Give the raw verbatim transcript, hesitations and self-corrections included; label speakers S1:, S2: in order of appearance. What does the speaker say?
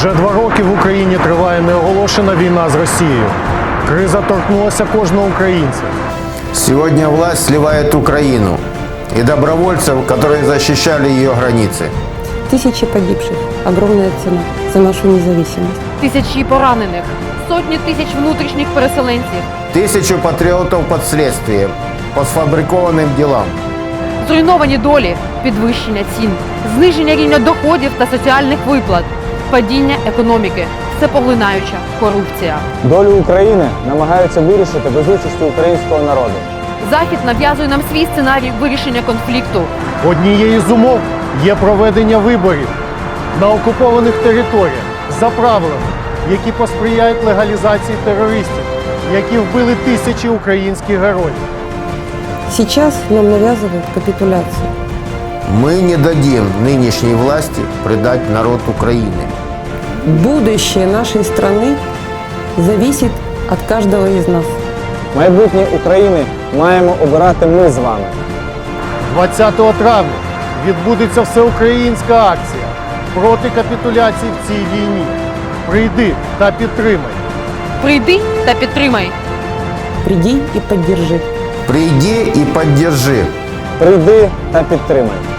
S1: Вже два роки в Україні триває неоголошена війна з Росією. Криза торкнулася кожного українця.
S2: Сегодня власть сливает Украину и добровольцев, которые защищали ее границы.
S3: Тысячи погибших. Огромная цена за нашу независимость.
S4: Тисячі поранених, сотні тисяч внутрішніх переселенців,
S2: Тысячу патриотов под следствием по сфабрикованным делам.
S4: зруйновані долі, підвищення цін, зниження рівня доходів та соціальних виплат, падіння економіки, всепоглинаюча корупція.
S5: Долю України намагаються вирішити без участі українського народу.
S4: Захід нав'язує нам свій сценарій вирішення конфлікту.
S1: Однією з умов є проведення виборів на окупованих територіях за правилами, які посприяють легалізації терористів, які вбили тисячі українських героїв.
S3: Сейчас нам навязывают капитуляцию.
S2: Мы не дадим нынешней власти предать народ Украины.
S3: Будущее нашей страны зависит от каждого из нас.
S5: Майбутнє України маємо обирати ми з вами.
S1: двадцятого травня відбудеться всеукраїнська акція проти капітуляції в цій війні. Прийди та підтримай.
S4: Прийди та підтримай.
S3: Приди и поддержи.
S2: Приди и поддержи.
S5: Прийди та підтримай.